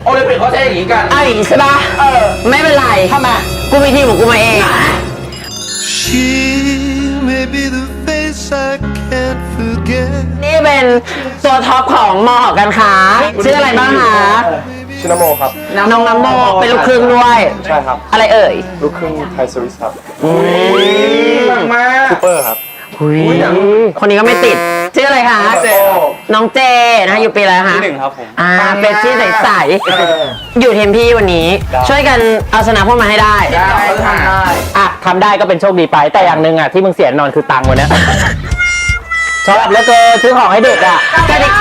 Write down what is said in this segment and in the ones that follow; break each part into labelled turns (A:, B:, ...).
A: โอลิมปิกเขาใช้อย่างนี้กัน
B: เอาอย่างนี้ใช่ปะไม่เป็นไรทำไมกูมีทีมของกูมาเอง
C: She may be the face I can't forget
B: นี่เป็นตัวท็อปของมอหอการค้าชื่ออะไรบ้างคะ
D: ชินาโมครับ
B: น้องน้ำโมเป็นลูกครึ่งด้วย
D: ใช่ครับ
B: อะไรเอ่ย
D: ลูกครึ่งไทยสวิสครับ
A: มาก
D: ซูเปอร์ครับ
B: คนนี้ก็ไม่ติดชื่ออะไรคะน้องเจนะคะอยู่ปีอะไรคะ
D: ที่ 1ครับผม
B: เป็นชื่อใสๆอยู่ทีมพี่วันนี้ ช่วยกันเอาชนะพวกมาให้ได้
A: ทำได้
E: อ่ะทำได้ก็เป็นโชคดีไปแต่อย่างหนึ่งอ่ะที่มึงเสียนอนคือตังค์วันเนี้ย ชอบแล้วก็ซื้อของให้เด็กอ่ะ
B: กระดิก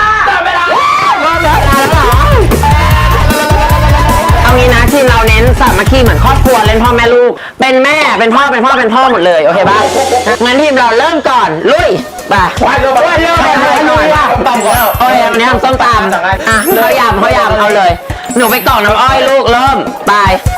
B: เอางี้นะทีมเราเน้นสามัคคีเหมือนครอบครัวเล่นพ่อแม่ลูกเป็นแม่เป็นพ่อเป็นพ่อหมดเลยโอเคป่ะงั้นทีมเราเริ่มก่อนลุยไปลุยว่ะโอเควันนี้ทำส้มตำอ่ะเขายำเอาเลยหนูไปกล่องน้ำอ้อยลูกเริ่มไป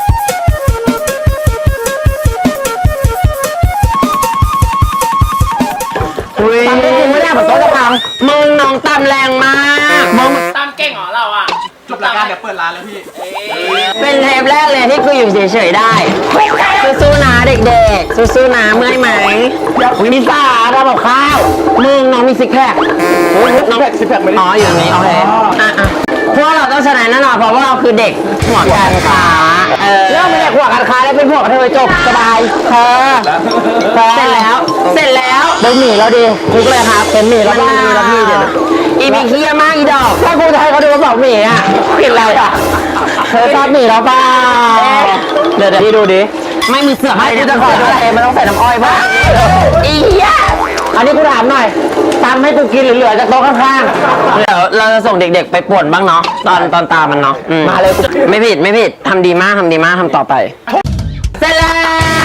B: ตำจริงไม่ได้แบบโต๊ะจะพังมึงน้องตำแรงมากมึง
A: ตามเก่งเหรอเราอ่ะจบรายการเดี๋ยวเปิดร้านแล้วพี่
B: เป็นเทปแรกเลยที่คืออยู่เฉยๆได้สู้ๆนะเด็กๆสู้ๆนะเมื่อยไหมมีสาทำกับข้าวมึงน้องมีซิกแพคน้องซิกแพคอ๋ออยู่ตรงนี้โอเคพวกเราต้องชนะแน่นอนเพราะว่าเราคือเด็กหัวการค้าเริ่มเป็นเด็กหัวการค้าแล้วเป็นพวกเธอจบสบายเสร็จแล้วเป็นหมี่แล้วดีคุกเลยครับเป็นหมี่แล้วดีแล้วพี่เดี๋ยวอีมีเคี้ยมากอีดอกถ้ากูจะให้เขาดูว่าบอกหมี่อ่ะกินอะไรอ่ะเธอชอบหมี่แล้วเปล่าเดี๋ยวพี่ดูดิไม่มีเสือให้กูจะขอดูอะไรมันต้องใส่น้ำอ้อยป่ะอีเหี้ยอันนี้กูถามหน่อยตามให้กูกินเหลือจากโต๊ะข้างๆเดี๋ยวเราจะส่งเด็กๆไปป่วนบ้างเนาะตอนตามมันเนาะมาเลยไม่ผิดทำดีมากทำต่อไปเสร็จแล้ว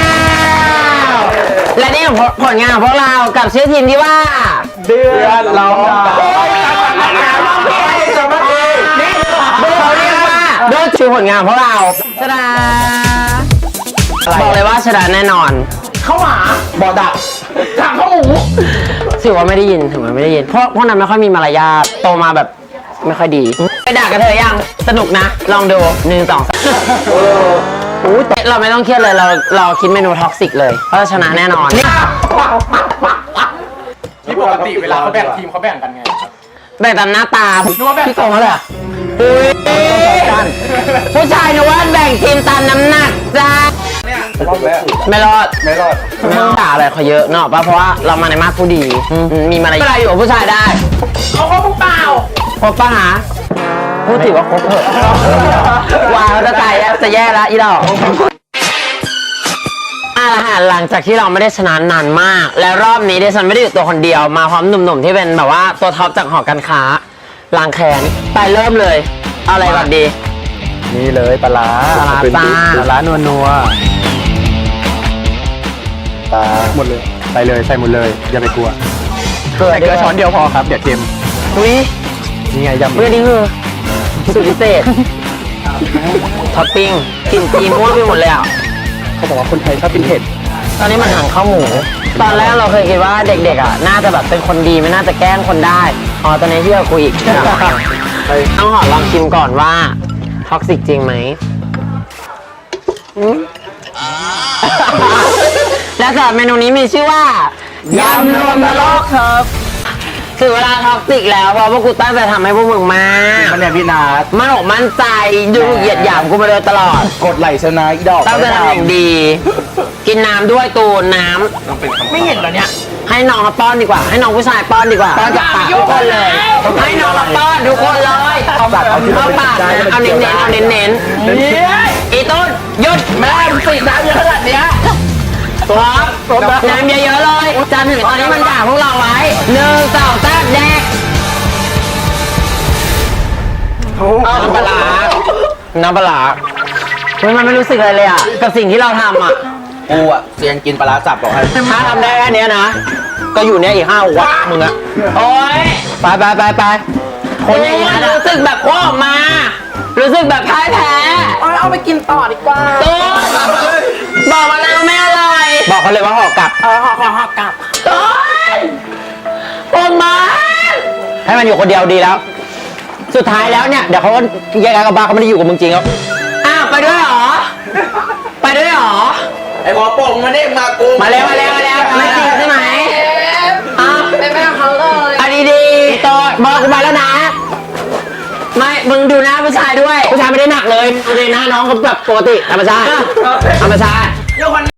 B: และนี่ผลงานของพวกเรากับชื่อทีมที่ว่า
D: เดือนร้อง
B: โดยชื่อผลงานของพวกเราชนะบอกเลยว่าชนะแน่นอน
A: เข้าหมาบอดักถามข้าวหมู
B: ถือว่าไม่ได้ยินพวกนั้นไม่ค่อยมีมารยาทโตมาแบบไม่ค่อยดีไปด่ากันเธอยังสนุกนะลองดู1 2 3เราไม่ต้องเครียดเลยเราคิดเมนูท็อกซิกเลยเพราะชนะแน่นอน
A: นี่ปกติเวลาเขาแบ่งทีมเขาแบ่งกันไง
B: แบ่งตามหน้าตาพี่โกงเขาเลยผู้ชายนึกว่าแบ่งทีมตามน้ำหนักจ้าไม่รอดไม่ด่าอะไรเขาเยอะเนาะป่ะเพราะว่าเรามาในมาสผู้ดีมีมารยาทอยู่กับผู้ชายได้
A: เขาคบเปล่า
B: คบป่ะฮะพูดถือว่าคบเถอะวางจะตายจะแย่แล้วอีดอกหลังจากที่เราไม่ได้ชนะนานมากแล้วรอบนี้ดิฉันไม่ได้อยู่ตัวคนเดียวมาพร้อมหนุ่มๆที่เป็นแบบว่าตัวท็อปจากหอการค้าล้างแค้นไปเริ่มเลยเอาอะไรก่อนดี
D: นี่เลยปลา
B: จ้า
D: ปลานัวปลาหมดเลยใส่เลยใส่หมดเลยอย่าไปกลัวเกลือช้อนเดียวพอครับเดี๋ยวเค็ม
B: อุ้ย
D: นี่ไงยำ
B: เรื่องนี้คือสูตรพิเศษท็อปปิ้งกลิ่นจีม่วงไปหมดเลยอ่ะ
D: เขาบอกว่าคนไทยชอบกินเผ็ด
B: ตอนนี้มันหั่นข้าวหมูตอนแรกเราเคยคิดว่าเด็กๆอ่ะน่าจะแบบเป็นคนดีไม่น่าจะแกล้งคนได้อ๋อตอนนี้ที่เราคุยอีกต้องขอลองชิมก่อนว่าท็อกซิกจริงไหมและสำหรับเมนูนี้มีชื่อว่ายำรวมนรกครับถึงเวลาท็อกซิกแล้วเพราะพวกกูตั้งใจทำให้พวกมึงมาก
D: มันเนี่ยพี่นา
B: มั่นใจดูเหยียดหยามกูมาโดยตลอด
D: กดไหลชนะอีดอก
B: ตั้งใจทำอย่างดีกินน้ำด้วยตูนน้ำ
A: ไม่เห็นเหรอเนี่ย
B: ให้น้องมาป้อนดีกว่าให้น้องผู้ชายป้อนดีกว่าป้อนจากปากทุกคนเลยให้น้องมาป้อนทุกคนเลยเอาปากเอาปากเอาเน้นอีต้นหยุด
A: แม่สีน้ำเยอะขนาดเนี้ย
B: น้ำเยอะๆเลยจำถึงตอนนี้มันด่าพวกเราไว้1 2 3แดกน้ำปลามันไม่รู้สึกอะไรเลยอ่ะกับสิ่งที่เราทำอ่ะ
A: กูอ่ะเซียนกินปลาสับบอกให้
B: ถ้าทำได้แค่นี้นะก็อยู่เนี่ยอีก5 วัดมึงอะโอ๊ยไปคนอย่างนี้รู้สึกแบบว่าออกมารู้สึกแบบพ่ายแพ้
A: เอาไปกินต่อดีกว่า
B: ตู้บอกมาแล้วไม่อร่อยบอกเขาเลยว่าห่อกลับ
A: ห่อกลับ
B: ตู้ปงมาให้มันอยู่คนเดียวดีแล้วสุดท้ายแล้วเนี่ยเดี๋ยวเขาแยกกันกับบ้าเขาไม่ได้อยู่กับมึงจริงแล้วอ้าวไปด้วยเหรอ ไปด้วยเหรอ
A: ไอ้หัวโป่งมาเด้งมากู
B: มาแล้วไม่จริงใช่ไหมอ้าว
A: เป็นแม่เขาเลย
B: อันนี้ดีต่อบอกกูมาแล้วนะ ไม่มึงดูหน้าผู้ชายด้วยผู้ชายไม่ได้หนักเลยดูเลยหน้าน้องเขาแบบปกติธรรมชาติ